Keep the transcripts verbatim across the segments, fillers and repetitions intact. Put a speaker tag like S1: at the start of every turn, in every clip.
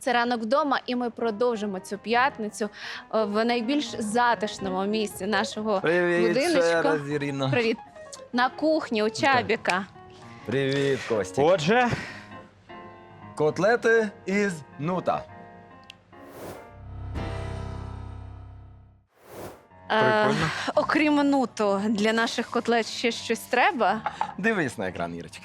S1: Це «Ранок вдома», і ми продовжимо цю п'ятницю е, в найбільш затишному місці нашого
S2: Привіт,
S1: будиночку.
S2: ще раз, Ірино.
S1: Привіт. На кухні у Чабіка.
S2: Привіт, Костя.
S3: Отже,
S2: Котлети із нута.
S1: Е,
S3: Прикольно.
S1: окрім нуту, для наших котлет ще щось треба?
S2: Дивись на екран, Ірочка.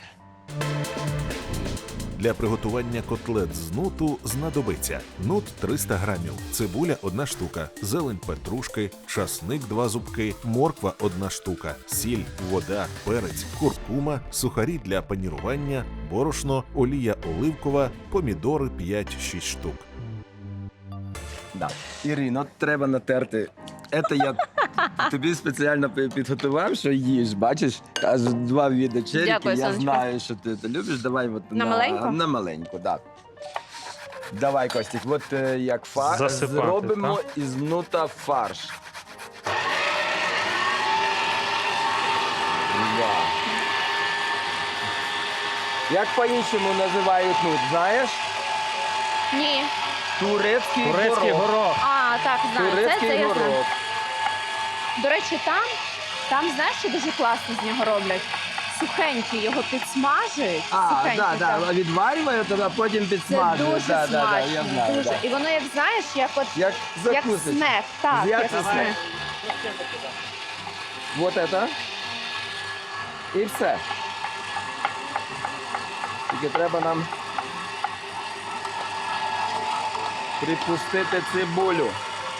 S4: Для приготування котлет з нуту знадобиться нут триста грамів, цибуля одна штука, зелень петрушки, часник два зубки, морква одна штука, сіль, вода, перець, куркума, сухарі для панірування, борошно, олія оливкова, помідори п'ять-шість штук.
S2: Да. Ірино, треба натерти. Це я тобі спеціально пи- підготував, що їж, бачиш? Аж два види черіки,
S1: Дякую,
S2: я
S1: сонечко.
S2: знаю, що ти це любиш. Давай от
S1: На маленьку?
S2: На маленьку, так. Да. Давай, Костік, от е, як фарш,
S3: Засипати,
S2: зробимо із нута фарш. Да. Як по-іншому називають нут, знаєш?
S1: Ні.
S2: Турецький,
S3: турецький
S2: горох.
S3: горох.
S1: А, так, знаю. Це,
S2: Турецький
S1: це я знаю.
S2: горох.
S1: До речі, там, там, знаєш, що дуже класно з нього роблять? Сухенький його підсмажують.
S2: А,
S1: сухенький,
S2: да, да,
S1: так.
S2: відварює, тоді потім
S1: Це
S2: підсмажує.
S1: дуже
S2: да,
S1: смачно.
S2: да, да, я знаю,
S1: дуже.
S2: да.
S1: І воно, як знаєш, як от
S2: Як
S1: як
S2: закусить.
S1: снек. Так,
S2: Як
S1: як
S2: це
S1: снек.
S2: снек? Вот это. І все. Тільки треба нам припустити цибулю.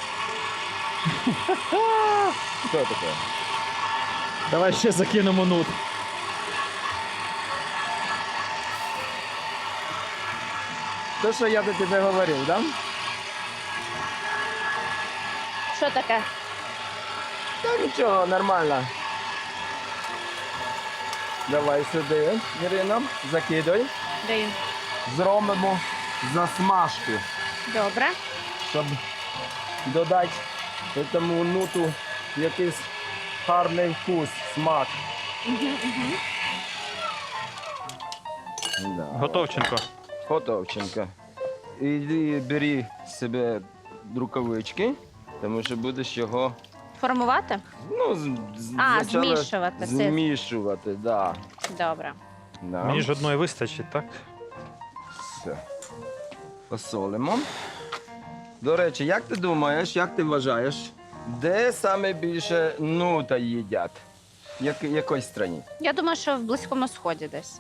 S2: Що таке?
S3: Давай ще закинемо нут.
S2: То, що я до тебе говорив, да?
S1: Що таке?
S2: Та нічого, нормально. Давай сюди, Ірино, закидай.
S1: Даю.
S2: Зробимо засмажку,
S1: Добре.
S2: щоб додати цьому нуту якийсь гарний вкус, смак. Да.
S3: Готовченко.
S2: Готовченко. Іди бери себе рукавички, тому що будеш його
S1: Формувати?
S2: ну, з- з-
S1: А,
S2: спочатку
S1: змішувати, це-
S2: Змішувати, да.
S1: Добре.
S2: Да.
S3: Мені ж одної вистачить, так?
S2: Все. Посолимо. До речі, як ти думаєш, як ти вважаєш, де саме більше нута їдять? Як, якої країні?
S1: Я думаю, що в Близькому Сході десь.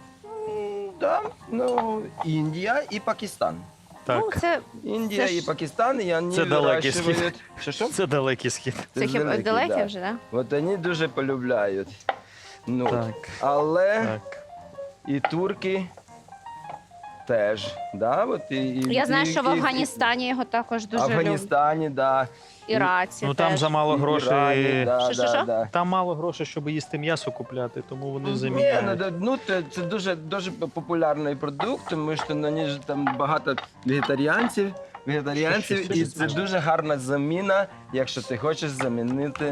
S2: Да, ну, Індія і Пакистан.
S3: Так.
S1: Ну, це,
S2: Індія
S1: Це
S2: і
S1: ж-
S2: Пакистан, і вони
S3: Це далекий
S2: вирощують... Що, що?
S3: Це далекий схід.
S1: це хіба
S2: далекий,
S1: далекі
S2: да.
S1: вже, так?
S2: От вони дуже полюбляють нут.
S3: Так.
S2: Але
S3: Так.
S2: і турки теж. Да? От і, і,
S1: Я знаю,
S2: і-
S1: що в
S2: і-
S1: Афганістані його також
S2: В
S1: дуже люблять.
S2: Афганістані, да.
S1: Іраці
S3: Ну там
S1: теж.
S3: замало
S2: І
S3: грошей.
S2: Ірані, да,
S1: Що, що,
S2: да,
S1: що?
S2: да.
S3: Там мало грошей, щоб їсти м'ясо купляти, тому вони
S2: Ні, ну,
S3: заміняють.
S2: да, ну це, це дуже, дуже популярний продукт, тому що на ній ж там багато вегетаріанців, вегетаріанців,
S3: Що, що,
S2: і
S3: що,
S2: це
S3: смачно.
S2: дуже гарна заміна, якщо ти хочеш замінити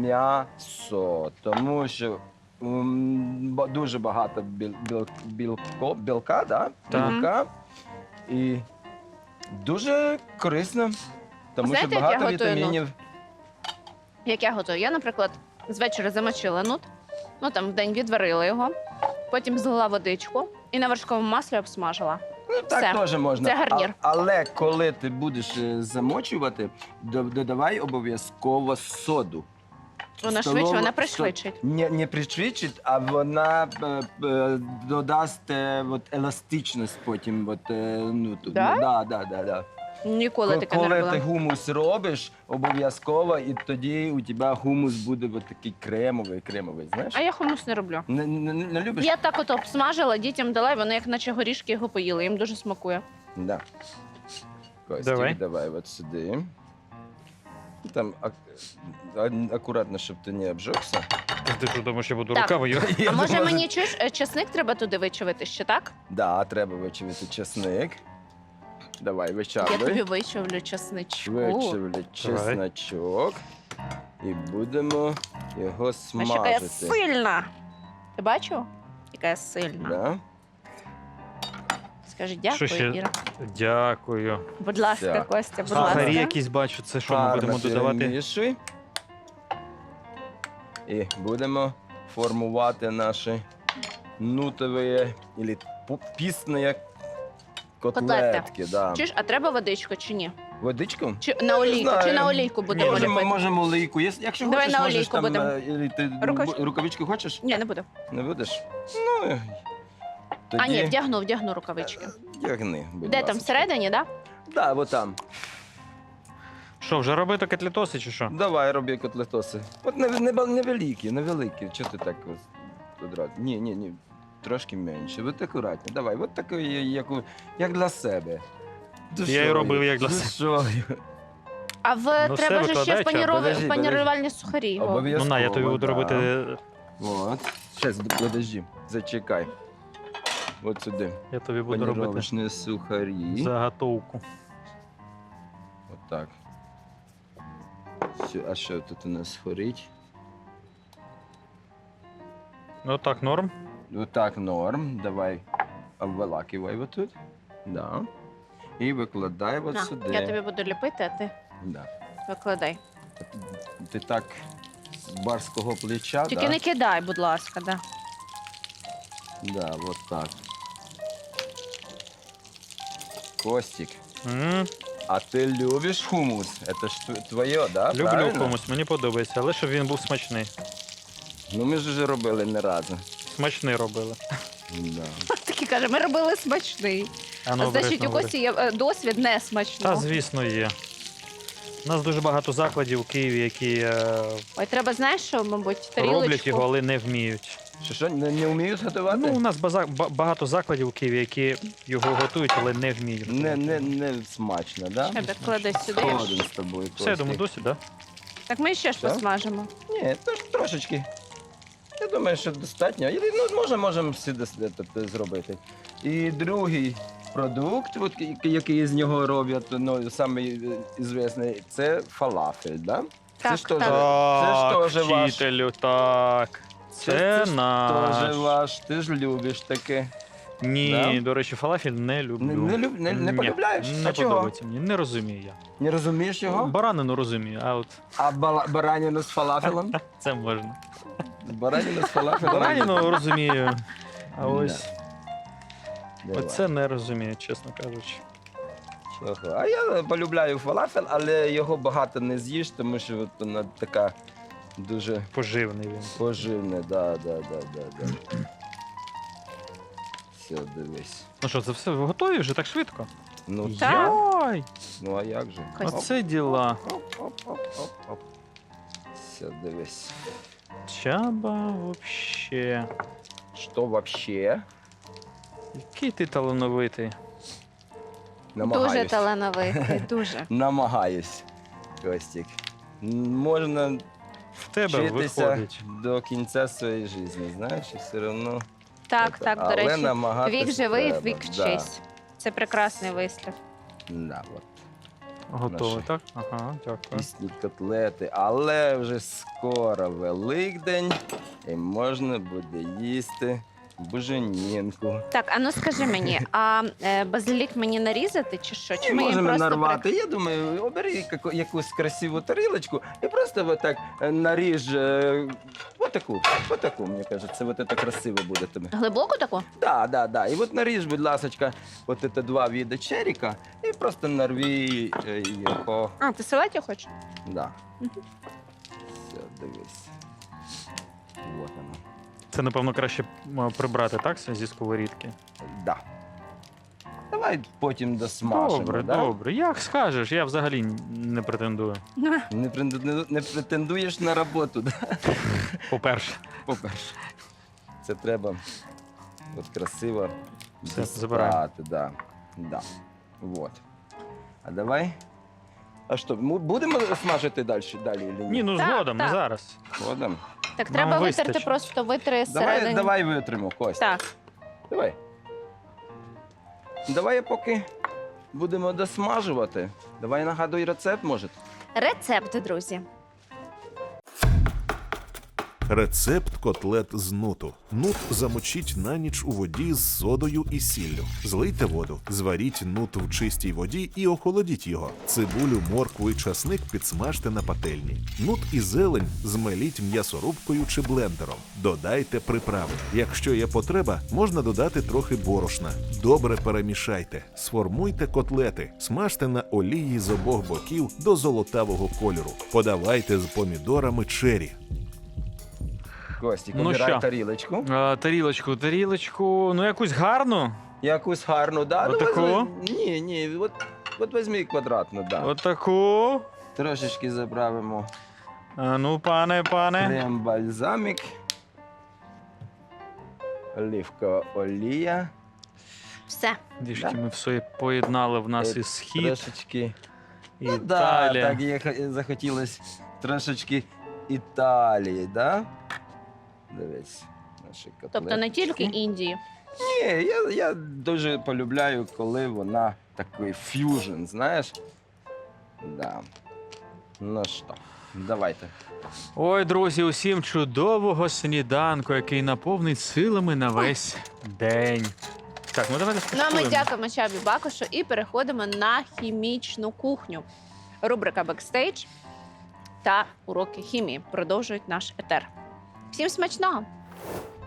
S2: м'ясо. Тому що м, ба- дуже багато біл, біл, білко, білка, да?
S3: Так.
S2: білка, і дуже корисно, тому
S1: Знаєте,
S2: що
S1: як
S2: багато
S1: я готую
S2: вітамінів.
S1: Як я готую? Я, наприклад, з вечора замочила нут, ну там в день відварила його, потім злила водичку і на вершковому маслі обсмажила.
S2: Ну, так
S1: Все.
S2: теж можна.
S1: Це гарнір.
S2: А- але коли ти будеш е, замочувати, до- додавай обов'язково соду.
S1: Вона
S2: Столова-
S1: швидше, вона
S2: сто-
S1: пришвидшить.
S2: Не, не пришвидшить, а вона е, е, додасть е, от, еластичність потім. От, е, ну, тут.
S1: Да?
S2: Да, да, да, да.
S1: Ніколи
S2: Ко-
S1: таке не
S2: Коли
S1: робила.
S2: ти гумус робиш, обов'язково, і тоді у тебе гумус буде от такий кремовий, кремовий, знаєш?
S1: А я хумус не роблю.
S2: Не, не, не любиш?
S1: Я так от обсмажила, дітям дала, і вони як наче горішки його поїли. Їм дуже смакує.
S2: Да. Костя,
S3: Давай.
S2: давай от сюди. Там ак- а- акуратно, щоб ти не обжегся.
S3: Ти що думаєш, я буду
S1: Так.
S3: рукавою?
S2: Я
S1: А може
S2: думаю,
S1: мені чуєш, е, чесник треба туди вичавити ще, так?
S2: Да, треба вичавити чесник. Давай,
S1: Я тобі
S2: вичавлюй.
S1: вичавлю чесничку.
S2: Вичавлю чесночок. І будемо його
S1: А що яка я
S2: смажити.
S1: сильна. Ти бачив? Яка я сильна.
S2: Да?
S1: Скажи
S3: Що
S1: дякую,
S3: ще?
S1: Іра.
S3: Дякую.
S1: Будь ласка,
S2: Все.
S1: Костя, будь
S3: Сухарі
S1: ласка.
S3: якісь бачу, це що ми
S2: Гарно
S3: будемо додавати?
S2: перемішуй. І будемо формувати наші нутові або пісні котлетки. Да.
S1: Чуєш, а треба водичку чи ні?
S2: Водичку?
S1: Чи на олійку?
S2: знаю.
S1: Чи на олійку будемо
S2: Можемо,
S1: ліпити?
S2: можемо олійку. Єс- Якщо
S1: Давай
S2: хочеш,
S1: на
S2: можеш
S1: олійку
S2: там...
S1: будемо.
S2: е, і ти
S1: Рукавички?
S2: рукавички хочеш?
S1: Ні, не буду.
S2: Не будеш? Ну, е, тоді
S1: А, ні, вдягну, вдягну рукавички.
S2: вдягни, будь
S1: Де
S2: ласка.
S1: там, всередині, так? Да?
S2: Так, да, от там.
S3: Що, вже робити котлетоси чи що?
S2: Давай, роби котлетоси. От не, не, невеликі, невеликі. Чого ти так ось одразу? Ні, ні, ні. Трошки менше. От акуратно. Давай, от такий, як, у- як для себе.
S3: Я і робив, як для себе.
S2: Душою.
S1: А в
S3: Ну,
S1: треба
S3: все,
S1: ж ще
S3: викладай, чат.
S1: паніров...
S2: Подожди,
S1: панірувальні сухарі. його.
S3: Ну
S2: Обов'язково.
S3: на, я тобі буду
S2: да.
S3: робити.
S2: От. Щас, подожди. Зачекай. От сюди.
S3: Я тобі буду робити
S2: Паніровочні сухарі.
S3: заготовку.
S2: От так. Все, а що тут у нас горить?
S3: Ну так, норм.
S2: Отак норм. Давай обволакивай вот тут. Да. І викладай от
S1: На,
S2: сюди.
S1: я тобі буду ліпити, а ти
S2: Да.
S1: викладай.
S2: Ти, ти так з барського плеча,
S1: Тільки
S2: да?
S1: не кидай, будь ласка, да.
S2: Да, вот так. Костик,
S3: М,
S2: а ти любиш хумус? Это ж тв- твоє, да?
S3: Люблю
S2: Правильно?
S3: комусь, мені подобається, але щоб він був смачний.
S2: Ну ми ж вже робили не разу.
S3: Смачний робили.
S2: Да.
S1: Такий каже, ми робили смачний.
S3: А ну,
S1: А значить,
S3: обережно
S1: у
S3: говори.
S1: Кості є е, досвід не
S3: Та,
S1: смачного.
S3: звісно, є. У нас дуже багато закладів у Києві, які е,
S1: Ой, треба, знаєш, що, мабуть,
S3: роблять
S1: тарілочку.
S3: його, але не вміють.
S2: Що, що, не, не вміють готувати?
S3: Ну, у нас база- ба- багато закладів у Києві, які його готують, але не вміють.
S2: не,
S3: готувати.
S2: не, не смачно, да?
S1: Ще так клади сюди.
S2: Згоден з тобою,
S3: Все, я думаю,
S2: Костик.
S3: досі, так?
S1: Так ми ще ж
S2: Все?
S1: посмажемо.
S2: Ні, тож, трошечки. Я думаю, що достатньо. І, ну, може, можемо всі дос- це зробити. І другий продукт, от, який- який з нього роблять, ну, самий звісний, це фалафель, да?
S1: Так,
S2: ж теж-
S1: так.
S2: Це ж теж ваш.
S3: вчителю, так. Це,
S2: Це ж
S3: наш.
S2: Теж ваш, ти ж любиш таке.
S3: Ні,
S2: Да?
S3: до речі, фалафель не люблю.
S2: Не, не, люб- не, не
S3: Ні,
S2: полюбляєш?
S3: Не
S2: а чого?
S3: подобається мені, не розумію я.
S2: Не розумієш його?
S3: Баранину розумію, а от
S2: А бала- баранину з фалафелем?
S3: це можна.
S2: Баранину з фалафелем?
S3: Баранину розумію, а ось
S2: Давай.
S3: оце не розумію, чесно кажучи.
S2: Чого? А я полюбляю фалафель, але його багато не з'їш, тому що от вона така дуже
S3: Поживний він.
S2: поживна. Да, да, да, да, да. Все, дивись.
S3: Ну що, це все ви готові вже так швидко?
S2: Ну,
S1: Так.
S3: Ой,
S2: ну а як же?
S1: Костя.
S3: оце діла.
S2: Оп, оп, оп, оп, оп. Все, дивись.
S3: Чаба вообще.
S2: Що вообще?
S3: Який ти талановитий.
S2: Намагаюсь.
S1: Дуже талановитий, дуже.
S2: Намагаюсь, Костік. М, Можна
S3: В тебе
S2: вчитися
S3: виходить.
S2: до кінця своєї життя, знаєш, і все одно.
S1: Так,
S2: це-
S1: так, до
S2: але
S1: речі.
S2: намагатись
S1: Вік живий,
S2: треба,
S1: вік
S2: да.
S1: вчись. Це прекрасний вислів.
S2: Да, от.
S3: Готовий,
S2: Наші.
S3: так? Ага, дякую.
S2: Пісні котлети, але вже скоро Великдень і можна буде їсти буженінку.
S1: Так, а ну скажи мені, а е, базилік мені нарізати чи що? Чи
S2: І
S1: ми їм
S2: можемо
S1: просто
S2: нарвати. Я думаю, обери яку- якусь красиву тарілочку і просто вот так е, наріж е, отаку, отаку, мені кажуть, це вот це красиво буде тобі.
S1: при- глибоку таку?
S2: Да, да, да. І от наріж, будь ласка, от це два види черіка і просто нарві е, його.
S1: А, ти салаті хочеш?
S2: Да.
S1: Мгм.
S2: Все, дивись. Вот воно.
S3: Це, напевно, краще м, прибрати, так, зі сковорідки?
S2: Да. Давай потім досмажимо.
S3: Добре,
S2: да?
S3: добре. Як скажеш, я взагалі не претендую.
S2: Не, пренду- не, не претендуєш на роботу, да?
S3: По-перше,
S2: По-перше. Це треба от красиво
S3: Все, забираю.
S2: дістати, да. Да. Вот. А давай. А що, ми будемо смажити далі, далі чи ні?
S3: ні, ну
S1: Так,
S3: згодом, не
S1: так.
S3: зараз.
S2: Згодом.
S1: Так
S3: Нам
S1: треба витерти,
S3: вистачить.
S1: просто витри
S2: Давай,
S1: зсередини.
S2: давай витримо, Кость.
S1: Так,
S2: Давай. Давай поки будемо досмажувати. Давай нагадуй рецепт, може.
S1: рецепт, друзі.
S4: Рецепт котлет з нуту. Нут замочіть на ніч у воді з содою і сіллю. Злийте воду, зваріть нут в чистій воді і охолодіть його. Цибулю, моркву і часник підсмажте на пательні. Нут і зелень змеліть м'ясорубкою чи блендером. Додайте приправи. Якщо є потреба, можна додати трохи борошна. Добре перемішайте. Сформуйте котлети. Смажте на олії з обох боків до золотавого кольору. Подавайте з помідорами чері.
S2: Костік,
S3: Ну
S2: обирай
S3: що?
S2: тарілочку.
S3: А, тарілочку, тарілочку, ну якусь гарну.
S2: Якусь гарну, да? Ну,
S3: Отаку?
S2: возьми- Ні, ні, от, от візьми квадратну, да.
S3: Отаку.
S2: Трошечки заправимо
S3: А ну, пане, пане.
S2: крем-бальзамік, оливкова олія,
S1: Все.
S3: Дішки, ми все поєднали в нас
S2: Е,
S3: і схід,
S2: трошечки.
S3: і
S2: Ну, да,
S3: Італія.
S2: так є, х- захотілося трошечки Італії, да? Дивись, наші котлетки.
S1: Тобто не тільки Індії.
S2: Ні, я, я дуже полюбляю, коли вона такий ф'южн, знаєш? Да. Ну що, давайте.
S3: Ой, друзі, усім чудового сніданку, який наповнить силами на весь день. Так, ну давайте
S1: Ну а ми
S3: скуштуємо.
S1: дякуємо Чабі Бакушу і переходимо на хімічну кухню. Рубрика «Бекстейдж» та уроки хімії продовжують наш етер. Всім смачного!